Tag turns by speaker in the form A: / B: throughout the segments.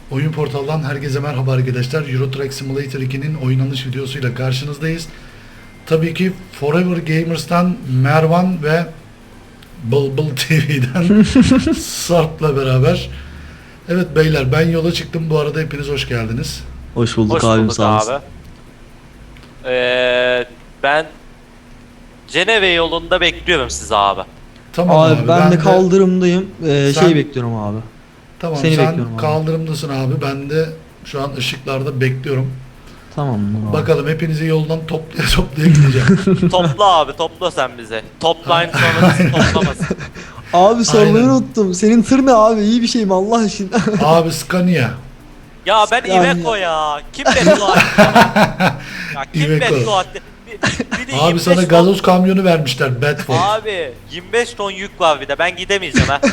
A: Oyun portaldan herkese merhaba arkadaşlar. Euro Truck Simulator 2'nin oynanış videosuyla karşınızdayız. Tabii ki Forever Gamers'tan Mervan ve Bulbul TV'den Sarp'la beraber. Evet beyler, ben yola çıktım. Bu arada hepiniz hoş geldiniz.
B: Hoş bulduk
C: Hoş
B: abim,
C: bulduk
B: sağ olasın.
C: abi. Ben Ceneve yolunda bekliyorum sizi abi.
A: Tamam
B: Abi,
A: abi,
B: ben de kaldırımdayım.
A: Sen-
B: Bekliyorum abi.
A: Tamam,
B: seni
A: sen
B: bekliyorum abi.
A: kaldırımdasın abi. Ben de şu an ışıklarda bekliyorum.
B: Tamam mı abi?
A: Bakalım, hepinizi yoldan toplaya toplaya gideceğim.
C: Topla abi, topla sen bize. Toplayın sonra bizi toplamasın.
B: Abi sormayı
A: Aynen.
B: unuttum. Senin tır ne abi? İyi bir şey mi Allah aşkına?
A: Abi Scania.
C: Ya ben
B: Yani-
C: Iveco ya. Kim beddua etti bana? Ya kim
A: Iveco.
C: beddua etti? Bir de
A: Abi
C: 25
A: sana
C: ton-
A: gazoz kamyonu vermişler, Bedford.
C: Abi 25 ton yük var bir de, ben gidemeyeceğim ha.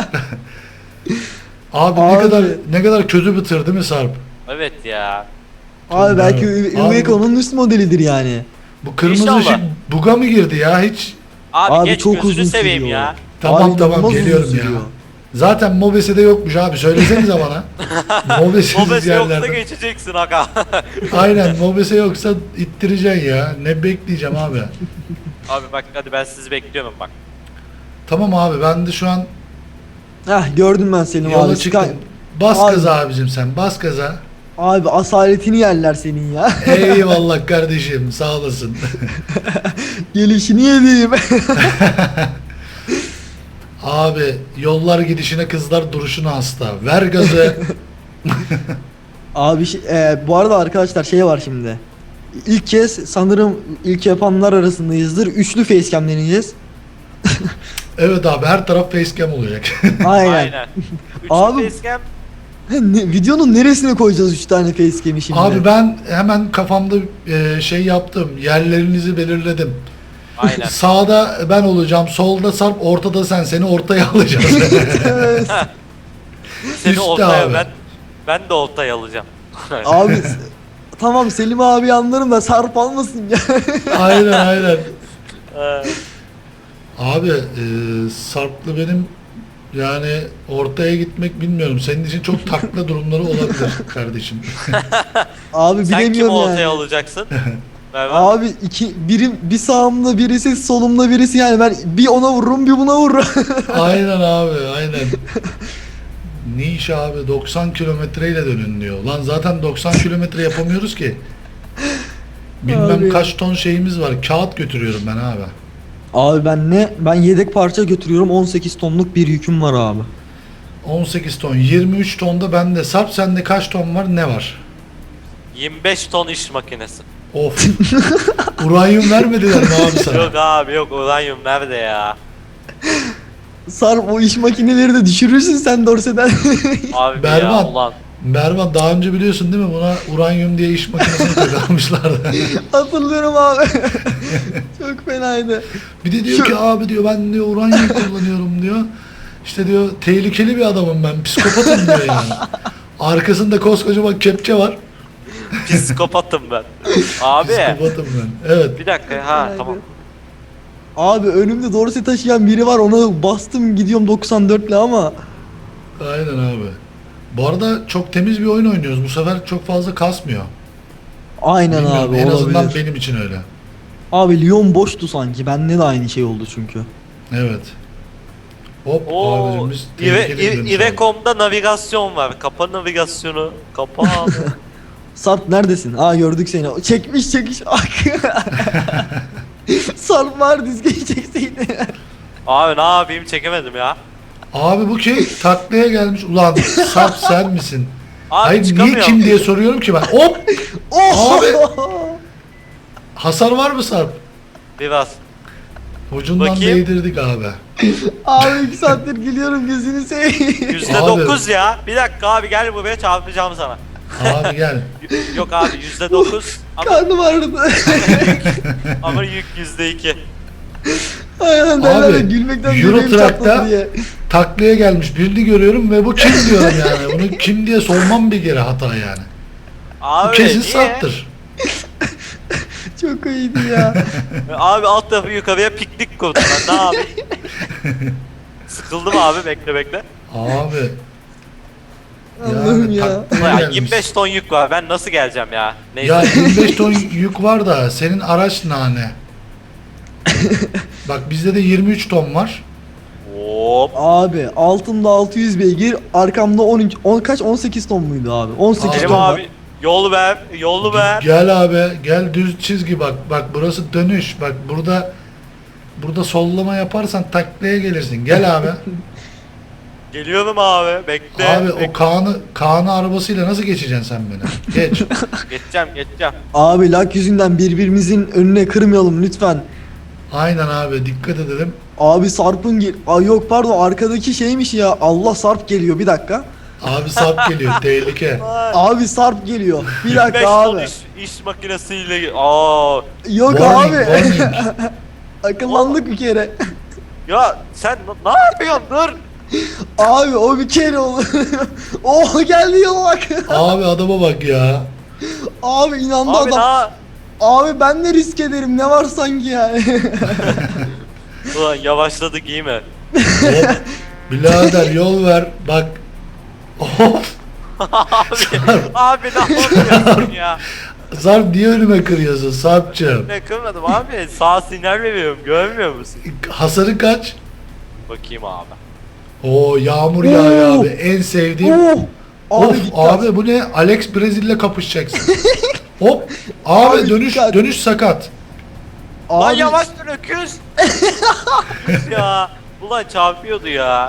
A: Abi,
B: Abi.
A: ne kadar kötü bir tır değil mi Sarp?
C: Evet ya.
B: Abi belki
A: Abi-
B: Iveco'nun üst modelidir yani.
A: Bu kırmızı
C: İnşallah.
A: ışık buga mı girdi ya hiç?
C: Abi, geç
B: çok
C: gözünü
B: uzun
C: seveyim
B: sürüyor.
C: ya.
A: Tamam
B: Abi,
A: tamam,
B: inanılmaz
A: geliyorum
B: uzun
A: ya.
B: sürüyor.
A: Zaten Mobese'de yokmuş abi, söylesenize bana. Mobesiz
C: Mobese yoksa
A: yerlerde.
C: geçeceksin aga.
A: Aynen, Mobese yoksa ittireceksin ya. Ne bekleyeceğim abi.
C: Abi bak, hadi ben sizi bekliyorum bak.
A: Tamam abi, ben de şu an
B: Heh, gördüm ben seni
A: yola
B: abi.
A: çıktım. Bas
B: Abi.
A: gaza abicim, sen bas gaza.
B: Abi asaletini yerler senin ya.
A: Eyvallah kardeşim, sağ olasın.
B: Gelişini yediğim.
A: Abi, yollar gidişine, kızlar duruşuna hasta. Ver gazı.
B: Abi bu arada arkadaşlar şey var şimdi. İlk kez sanırım ilk yapanlar arasındayızdır. Üçlü facecam deneyeceğiz.
A: Evet abi, her taraf facecam olacak.
B: Aynen.
C: Aynen.
B: Abi-
C: Üçüncü facecam.
B: Videonun neresine koyacağız 3 tane facecam'i şimdi?
A: Abi ben hemen kafamda şey yaptım. Yerlerinizi belirledim.
C: Aynen.
A: Sağda ben olacağım, solda Sarp, ortada sen. Seni ortaya alacağız.
B: Evet.
C: Seni
A: Üstte
C: ortaya
A: abi.
C: ben de ortaya alacağım.
B: Abi tamam, Selim abi anlarım da Sarp almasın ya.
A: Aynen aynen.
C: Ee,
A: Abi Sarp'la benim yani ortaya gitmek, bilmiyorum. Senin için çok takla durumları olabilir kardeşim.
B: Abi
C: Sen kimi
B: bilemiyorum
C: ortaya
B: yani.
C: alacaksın? Mervan.
B: Abi bir sağımda birisi, solumda birisi, yani ben bir ona vururum bir buna vururum.
A: Aynen abi, aynen. Ne iş abi, 90 kilometreyle dönün diyor. Lan zaten 90 kilometre yapamıyoruz ki. Bilmem
B: Abi.
A: kaç ton şeyimiz var. Kağıt götürüyorum ben abi.
B: Abi ben yedek parça götürüyorum, 18 tonluk bir yüküm var abi.
A: 18 ton, 23 tonda bende. Sarp, sende kaç ton var, ne var?
C: 25 ton iş makinesi.
A: Of. Uranyum vermediler mi abi sana?
C: Yok abi yok, uranyum nerede ya?
B: Sarp, o iş makineleri de düşürürsün sen dorseden.
C: Abi
A: Berbat.
C: ya ulan.
A: Mervan, daha önce biliyorsun değil mi, buna uranyum diye iş makinesini takılmışlardı.
B: Hatırlıyorum abi. Çok fenaydı.
A: Bir de diyor ki abi, diyor, ben diyor uranyum kullanıyorum diyor. İşte diyor, tehlikeli bir adamım ben, psikopatım diyor yani. Arkasında koskocaman kepçe var.
C: Psikopatım ben. Abi
A: Psikopatım ben. Evet.
C: bir dakika, ha
B: Fenaydı.
C: tamam.
B: Abi önümde dorse taşıyan biri var, ona bastım gidiyorum 94'le ama.
A: Aynen abi. Bu arada çok temiz bir oyun oynuyoruz. Bu sefer çok fazla kasmıyor.
B: Aynen
A: Bilmiyorum,
B: abi,
A: en
B: olabilir.
A: azından benim için öyle.
B: Abi Lyon boştu sanki, bende de aynı şey oldu çünkü.
A: Evet. Hop
C: Oo,
A: abicim, biz tehlikeli bir dönüş aldık.
C: Iveco'mda navigasyon var. Kapa navigasyonu. Kapa abi.
B: Sarp neredesin? Aa, gördük seni. Çekmiş. Sarp var, dizgeyi çekseydi.
C: Abi ne yapayım, çekemedim ya.
A: Abi bu kim? Taklaya gelmiş. Ulan Sarp, sen misin?
C: Abi
A: Hayır, niye
C: çıkamıyorum.
A: kim diye soruyorum ki ben. Hop!
B: Oh!
A: Abi! Hasar var mı Sarp?
C: Biraz.
A: Ucundan
C: Bakayım.
A: değdirdik abi.
B: Abi 2 saattir gülüyorum, gözünü seveyim.
C: %9 ya. Bir dakika abi, gel buraya, çarpacağım sana.
A: Abi gel.
C: Yok abi %9 ama,
B: Karnım ağrıdı.
C: ama yük %2.
B: Aynen derler ya,
A: Abi,
B: gülmekten
A: Euro
B: yüreğim çatladı
A: Truck'ta
B: diye.
A: taklaya gelmiş birini görüyorum ve bu kim diyorum yani. Bunu kim diye sormam bir kere hata yani. Bu
C: Abi
A: kesin
C: niye?
A: Sarp'tır.
B: Çok iyiydi ya.
C: Abi alt tarafı yukarıya piknik kurdum ben, ne yapayım? Sıkıldım abi, bekle bekle.
A: Abi
B: Allah'ım ya.
A: taklaya
C: Ulan
A: gelmiş.
C: 25 ton yük var. Ben nasıl geleceğim ya? Neyse.
A: Ya 25 ton yük var da senin araç nane. Bak bizde de 23 ton var.
C: Hop.
B: Abi altımda 600 beygir, arkamda 13 kaç 18 ton muydu abi? 18
A: Abi.
C: Selim
B: ton var.
C: abi yol ver. Yolu ver.
A: Gel abi, gel düz çizgi bak. Bak burası dönüş. Bak burada sollama yaparsan taklaya gelirsin. Gel abi.
C: Geliyorum abi. Bekle.
A: Abi o Kaan'ı arabasıyla nasıl geçeceksin sen beni? Geç.
C: Geçeceğim.
B: Abi lak yüzünden birbirimizin önüne kırmayalım lütfen.
A: Aynen abi dikkat edelim.
B: Abi Sarp'ın Ay yok pardon, arkadaki şeymiş ya. Allah, Sarp geliyor, bir dakika.
A: Abi sap geliyor tehlike.
B: Abi Sarp geliyor. Bir
C: 25
B: dakika
C: ton
B: abi.
C: iş makinesiyle. Aa.
B: Yok
A: Warning,
B: abi.
A: warning.
B: Akıllandık bir kere.
C: Ya sen ne yapıyorsun? Dur.
B: Abi o bir kere olur. Oh geldi ya bak.
A: Abi adama bak ya.
B: Abi inandı
C: Abi
B: adam.
C: daha.
B: Abi ben de risk ederim, ne var sanki yani.
C: Ulan yavaşladık iyi mi?
A: Hop. Birader yol ver. Bak. Of.
C: Abi ne yapıyorsun ya?
A: Sarp niye önüme kırıyorsun Sarp'cığım?
C: Ne kırmadım abi. Sağ sinyal veriyorum. Görmüyor musun?
A: Hasarı kaç?
C: Bakayım abi.
A: Oo yağmur yağıyor abi. En sevdiğim.
B: Oh.
A: Of
B: dikkat.
A: abi bu ne? Alex Brezil'le kapışacaksın. Hop. Abi,
B: Abi
A: dönüş
B: dikkat.
A: dönüş sakat.
C: Lan
B: Abi,
C: yavaş dur öküz. Ya. Ulan çarpıyordu ya.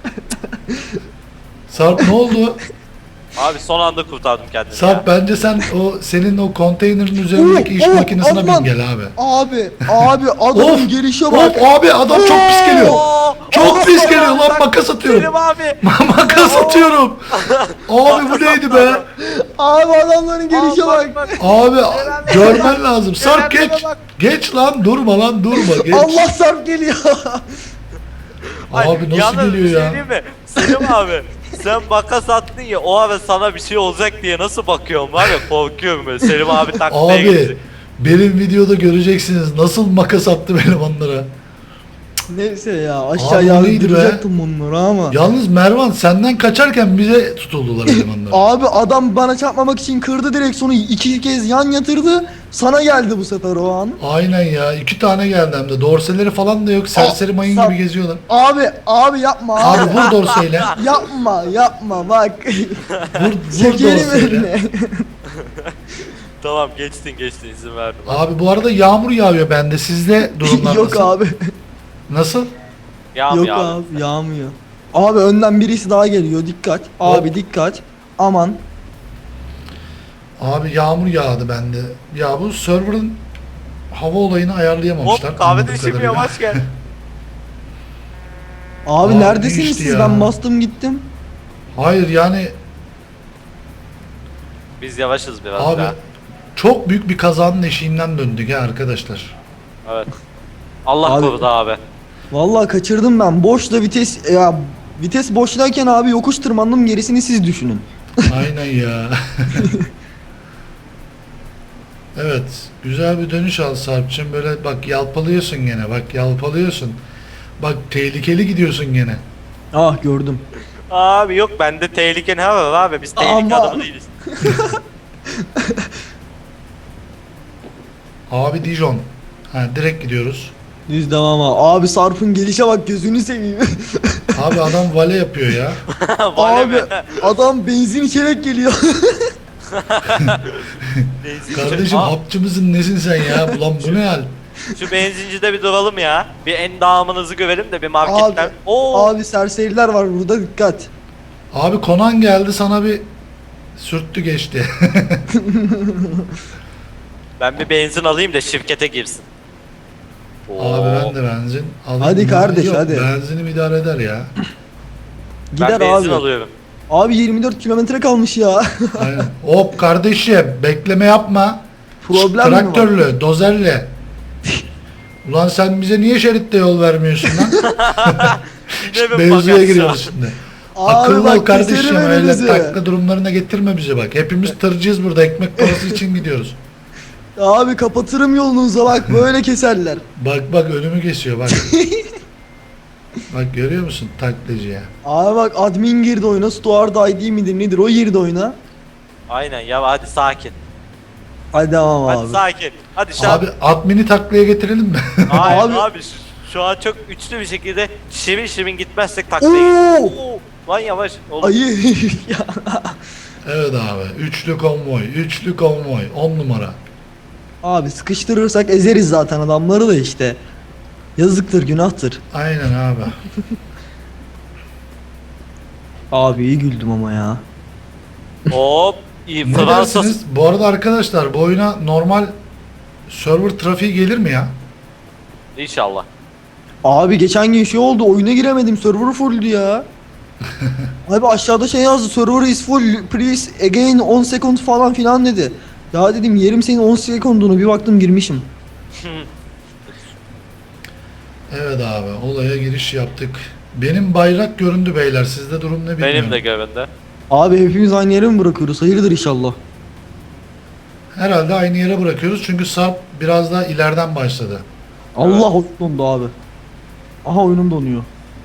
A: Sarp ne oldu?
C: Abi son anda kurtardım kendimi
A: Sarp
C: ya.
A: bence sen senin o konteynerin üzerindeki iş makinesine
B: aman.
A: bin gel abi.
B: Abi adamın
A: Of.
B: gelişe bak.
A: Hop abi adam çok pis geliyor.
C: Oo,
A: Çok
C: oo,
A: pis geliyor lan
C: bak,
A: makas atıyorum.
C: Selim abi.
A: Makas atıyorum. Abi bu neydi be?
B: Abi adamların gelişe bak.
A: Abi görmen lazım. Sarp
C: Kerem'e
A: geç.
C: bak.
A: Geç lan durma lan durma geç.
B: Allah, Sarp geliyor.
A: Abi nasıl
C: Yalnız bir
A: geliyor
C: şey
A: ya?
C: diyeyim mi? Selim abi sen makas attın ya o ara sana bir şey olacak diye nasıl bakıyorum var ya korkuyorum böyle. Selim abi taklaya
A: Abi
C: gidecek.
A: benim videoda göreceksiniz nasıl makas attım elemanlara.
B: Neyse ya,
A: Abi
B: aşağıya
A: o neydi be?
B: yağdıracaktım bunları ama.
A: Yalnız Mervan senden kaçarken bize tutuldular elemanlar.
B: Abi adam bana çarpmamak için kırdı direksiyonu, 2 kez yan yatırdı. Sana geldi bu sefer o an.
A: Aynen ya 2 tane geldi hem de dorseleri falan da yok serseri mayın
B: Sarp.
A: gibi geziyorlar.
B: Abi yapma abi.
A: Abi vur dorseyle.
B: Yapma bak.
A: Vur
B: Çekelim
A: dorseyle.
B: önüne.
C: Tamam geçtin izin verdim.
A: Abi bu arada yağmur yağıyor bende sizde durumlar
B: Yok
A: nasıl?
B: abi.
A: Nasıl?
C: Yağmıyor
B: Yok
C: abi.
B: abi, yağmıyor. Abi önden birisi daha geliyor, dikkat. Abi
A: Hop.
B: dikkat. Aman.
A: Abi yağmur yağdı bende. Ya bu server'ın hava olayını ayarlayamamışlar.
C: Hop kahve
A: anladığım
C: düşürmüyor
A: kadarıyla.
C: yavaş gel.
B: Abi
A: Abi
B: neredesiniz
A: geçti
B: siz?
A: ya.
B: Ben bastım gittim.
A: Hayır yani
C: Biz yavaşız biraz
A: abi
C: daha.
A: çok büyük bir kazanın eşiğinden döndük ya arkadaşlar.
C: Evet. Allah
B: Abi-
C: korudu abi.
B: Vallahi kaçırdım ben. Boşla vites ya, vites boştayken abi yokuş tırmandım, gerisini siz düşünün.
A: Aynen ya. Evet, güzel bir dönüş al Sarp'cığım. Böyle bak yalpalıyorsun gene. Bak yalpalıyorsun. Bak tehlikeli gidiyorsun gene.
B: Ah gördüm.
C: Abi yok bende tehlike ne var abi biz tehlike
B: Aman.
C: adamı değiliz.
A: Abi Dijon. Ha direkt gidiyoruz.
B: Düz devam abi. Abi Sarp'ın gelişe bak, gözünü seveyim.
A: Abi adam vale yapıyor ya.
C: Vale
B: Abi
C: mi?
B: adam benzin içerek geliyor.
A: Kardeşim
C: Aa,
A: hapçı mısın nesin sen ya? Ulan bu ne hal?
C: şu benzincide bir duralım ya. Bir endamınızı görelim de bir marketten.
B: Abi,
C: Oo.
B: abi serseriler var burada, dikkat.
A: Abi Konan geldi sana bir sürttü geçti.
C: Ben bir benzin alayım da şirkete girsin.
A: Abi ben de benzin alayım.
B: Hadi kardeş,
A: Yok,
B: hadi.
A: Benzinim idare eder ya.
B: Gider
C: Ben benzin
B: abi.
C: alıyorum.
B: Abi 24 kilometre kalmış ya.
A: Aynen. Hop kardeşim bekleme yapma.
B: Problem mi var?
A: Traktörlü, dozerle. Ulan sen bize niye şeritte yol vermiyorsun lan?
C: Yine bir
A: Mevzuya
C: bagaj
A: giriyoruz şimdi.
B: Abi
A: Akıllı
B: bak,
A: ol kardeşim
B: keserim
A: öyle
B: önünüzü.
A: takla durumlarına getirme bizi bak. Hepimiz tırcıyız burada ekmek parası için gidiyoruz.
B: Abi kapatırım yolunuza bak, böyle keserler.
A: Bak önümü kesiyor bak. Bak görüyor musun taklacıya?
B: Abi bak admin girdi oyuna. Stuart ID midir nedir o girdi oyuna.
C: Aynen ya, hadi sakin.
B: Hadi tamam
C: Hadi
B: abi.
C: sakin. Hadi şu an.
A: Abi admini taklaya getirelim mi?
C: Hayır
B: Abi-
C: abi, şu an çok üçlü bir şekilde şirin gitmezsek taklaya
B: Oo!
C: Oo, lan yavaş oğlum.
B: Ayı ya.
A: Evet abi. Üçlü konvoy. Üçlü konvoy. 10 numara.
B: Abi sıkıştırırsak ezeriz zaten adamları da işte. Yazıktır günahtır.
A: Aynen abi.
B: Abi iyi güldüm ama ya.
C: Hop. İyi
A: Ne
C: Fransa.
A: dersiniz? Bu arada arkadaşlar bu oyuna normal server trafiği gelir mi ya?
C: İnşallah.
B: Abi geçen gün şey oldu oyuna giremedim server fulldü ya. Abi aşağıda şey yazdı server is full please again 10 second falan filan dedi. Ya dedim yerim senin 10 sekundunu bir baktım girmişim.
A: Evet abi. Olaya giriş yaptık. Benim bayrak göründü beyler. Sizde durum ne bilmiyorum.
C: Benim de göründü.
B: Abi hepimiz aynı yere mi bırakıyoruz? Hayırdır inşallah.
A: Herhalde aynı yere bırakıyoruz. Çünkü Sarp biraz daha ileriden başladı.
B: Allah oyun dondu abi. Aha oyunum donuyor.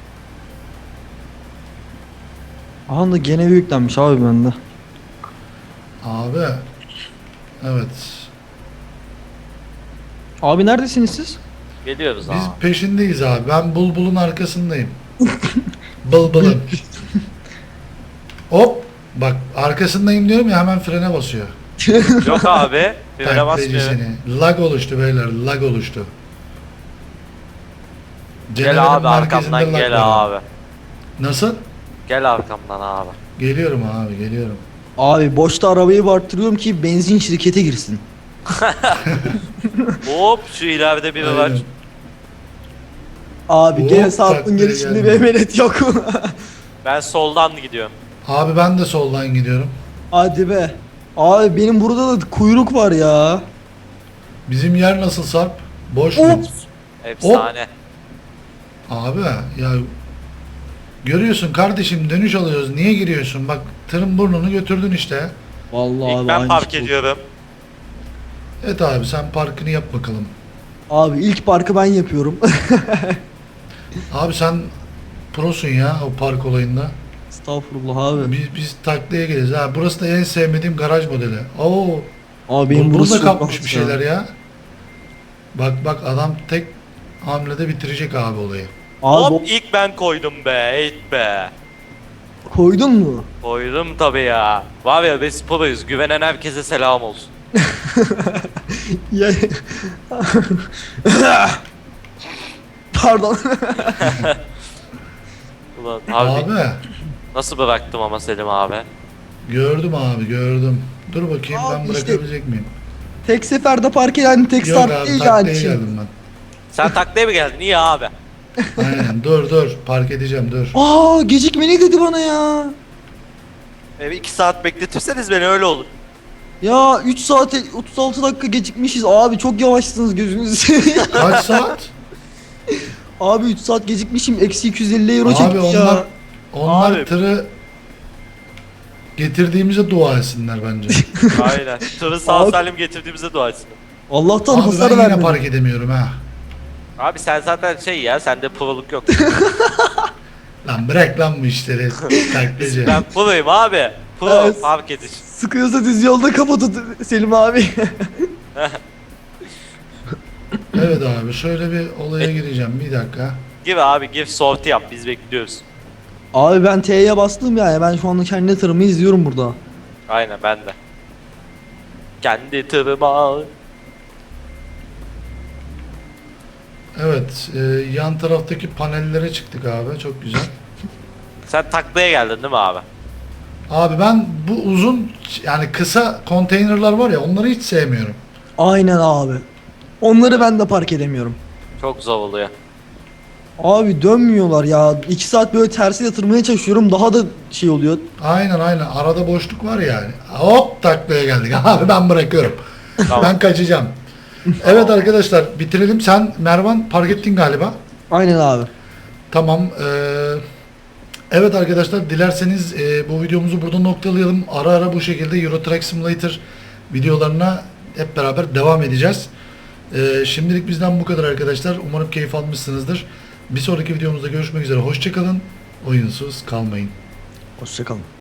B: Aha da gene büyüklenmiş abi bende.
A: Abi. Evet.
B: Abi neredesiniz siz?
C: Geliyoruz
A: Biz
C: abi.
A: peşindeyiz abi. Ben Bulbul'un arkasındayım. Bulbul'un. Hop. Bak arkasındayım diyorum ya hemen frene basıyor.
C: Yok abi. Frene
A: Taklacı
C: basmıyor.
A: seni. Lag oluştu beyler. Lag oluştu. Ceneverin
C: Gel abi
A: merkezinde
C: arkamdan
A: lag
C: gel
A: var.
C: abi.
A: Nasıl?
C: Gel arkamdan abi.
A: Geliyorum abi geliyorum.
B: Abi boşta arabayı barttırıyorum ki benzin şirkete girsin.
C: Hop şu ileride biri var.
A: Aynen.
B: Abi
A: Hop,
B: gene saatin
A: taklaya
B: gelişinde
A: geldim.
B: bir emanet yok.
C: Ben soldan gidiyorum.
A: Abi ben de soldan gidiyorum.
B: Hadi be. Abi benim burada da kuyruk var ya.
A: Bizim yer nasıl Sarp? Boş mu?
B: Ops.
C: Efsane.
A: Abi ya görüyorsun kardeşim dönüş alıyoruz. Niye giriyorsun? Bak tırın burnunu götürdün işte.
B: Vallahi
C: İlk
B: abi
C: ben
B: aynı
C: park
B: şey oldu.
C: ediyorum.
A: Evet abi sen parkını yap bakalım.
B: Abi ilk parkı ben yapıyorum.
A: Abi sen prosun ya o park olayında.
B: Estağfurullah abi.
A: Biz taklaya geliriz. Ha burası da en sevmediğim garaj modeli. Oo.
B: Abi benim
A: Bulbul
B: burası
A: da
B: çok
A: kapmış
B: rahat
A: bir şeyler ya. Bak adam tek hamlede bitirecek abi olayı.
B: Abi
C: Hop ilk ben koydum be. Eğit be.
B: koydun mu?
C: Koydum tabi ya. Var ya biz proyuz. Güvenen herkese selam olsun.
B: Ya... Pardon.
C: Ulan abi,
A: Abi
C: nasıl bıraktım ama Selim abi.
A: gördüm abi gördüm. Dur bakayım
B: Abi
A: ben
B: işte-
A: bırakabilecek miyim?
B: Tek seferde park eden tek
A: Yok
B: start
A: abi
B: değil
A: taklaya
B: yani şimdi.
A: geldim ben.
C: Sen taklaya mı geldin? Niye abi?
A: Aynen dur park edeceğim dur.
B: Aa gecikmeli dedi bana ya.
C: 2 saat bekletirseniz beni öyle olur.
B: Ya 3 saat 36 dakika gecikmişiz. Abi çok yavaşsınız gözünüzü seveyim.
A: Kaç saat?
B: Abi 3 saat gecikmişim. Eksi 250 euro
A: Abi
B: çekmiş ya.
A: onlar
C: Abi.
A: tırı getirdiğimize dua etsinler bence.
C: Aynen. Tırı sağ
B: Abi-
C: salim getirdiğimize dua etsin.
B: Allah'tan
A: Abi
B: hasar
A: ben yine
B: vermedi.
A: park edemiyorum ha.
C: Abi sen zaten şey ya, sende proluk yok.
A: Lan bırak lan bu işleri. Taklacı.
C: Ben proyum abi. Pro
B: Evet.
C: fark ediş.
B: Sıkıyorsa düz yolda kapatın Selim abi.
A: Evet abi şöyle bir olaya gireceğim bir dakika.
C: Gir abi gir, sorti yap, biz bekliyoruz.
B: Abi ben T'ye bastım ya. Ben şu anda kendi tırımı izliyorum burada.
C: Aynen ben de. Kendi tırıma.
A: Evet yan taraftaki panellere çıktık abi çok güzel.
C: Sen taklaya geldin değil mi abi?
A: Abi ben bu uzun yani kısa konteynerlar var ya onları hiç sevmiyorum.
B: Aynen abi. Onları ben de park edemiyorum.
C: Çok zor oluyor.
B: Abi dönmüyorlar ya. 2 saat böyle tersi yatırmaya çalışıyorum. Daha da şey oluyor.
A: Aynen arada boşluk var yani. Hop taklaya geldik abi ben bırakıyorum.
C: Tamam.
A: Ben kaçacağım. Evet arkadaşlar bitirelim. Sen Mervan park ettin galiba.
B: Aynen abi.
A: Tamam. Evet arkadaşlar dilerseniz bu videomuzu burada noktalayalım. Ara ara bu şekilde Euro Truck Simulator videolarına hep beraber devam edeceğiz. Şimdilik bizden bu kadar arkadaşlar. Umarım keyif almışsınızdır. Bir sonraki videomuzda görüşmek üzere. Hoşçakalın. Oyunsuz kalmayın.
B: Hoşçakalın.